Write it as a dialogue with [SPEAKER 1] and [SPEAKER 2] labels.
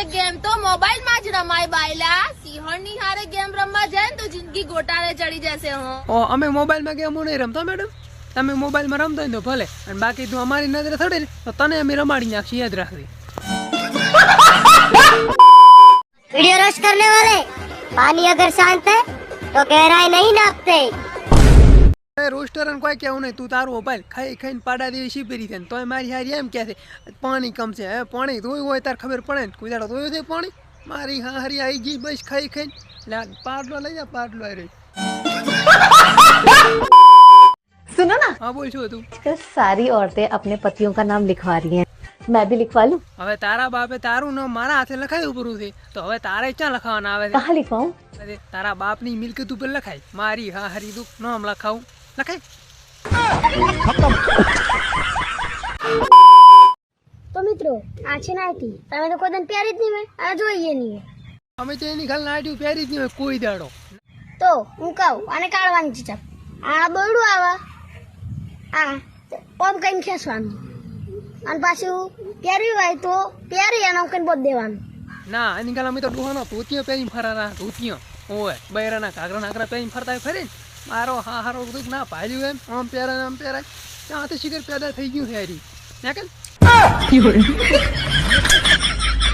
[SPEAKER 1] Game તો mobile માં જ રમાય બાયલા. સિંહણ ની હારે ગેમ રમવા જાય ને તો જિંદગી ગોટાળે ચડી જશે.
[SPEAKER 2] અમે મોબાઈલ માં ગેમો નહીં રમતા મેડમ. તમે મોબાઈલ માં રમતો હોય તો ભલે, અને બાકી તું અમારી નજરે થડે ને તો તને અમે રમાડી નાખશું, યાદ રાખવી.
[SPEAKER 3] वीडियो रोश करने वाले पानी अगर शांत है तो गहराई नहीं नापते.
[SPEAKER 2] રોસ્ટર અને કોઈ કેવું નહીં, તું તારું મોબાઈલ ખાઈ ખાઈને પાડા દેવી શીપેરી છે તોય મારી હારી એમ કહે છે પાણી કમ છે. હવે પાણી ધોયું હોય તાર ખબર પડે ને, કોઈ દાડો ધોયું છે પાણી? મારી હારી આવી ગઈ બસ ખાઈ ખાઈને. પાડલો લઈ જા, પાડલો આવી રહી.
[SPEAKER 4] सुनो ना,
[SPEAKER 2] હા બોલ શું હતું?
[SPEAKER 4] आजकल सारी औरतें अपने पतियों का नाम लिखवा रही हैं. मैं भी लिखवा लूं?
[SPEAKER 2] હવે તારા બાપે તારું નામ મારા હાથે લખાયું પૂરું છે તો હવે તારે ક્યાં લખાવાના આવે
[SPEAKER 4] कहाँ लिखवाऊं?
[SPEAKER 2] છે? તારા બાપની મિલકત ઉપર લખાય. મારી હા હારી તું નામ લખાવું લખાય.
[SPEAKER 3] तो मित्रों आज છે નાઈટી તમે તો કોઈ દિન પહેરી જ નહીં હોય, આ જોઈએ નહીં.
[SPEAKER 2] અમે તો એની ખાલી નાટ્યું પહેરી જ નહીં હોય કોઈ દાડો.
[SPEAKER 3] તો હું કહું આને કાઢવાની છે ચાપ. આ દોરડું આવા આ ઓમ કઈ ખેંચવાનું અને પાછું પહેર્યું હોય તો પહેરી અને કઈ બોધ દેવાનું.
[SPEAKER 2] ના એની ખાલી અમે તો ડોહાનો ધોતિયો પહેરીને ફરાના. ધોતિયો હોય બૈરાના ઘાઘરા નાઘરા પહેરીને ફરતા હોય ફરે ને. મારો હા હારો બધું ના ભાલ્યું એમ આમ પહેરાય આમ પહેરાય ત્યાં તો શિખર પેદા થઈ ગયું છે હારી. ના કે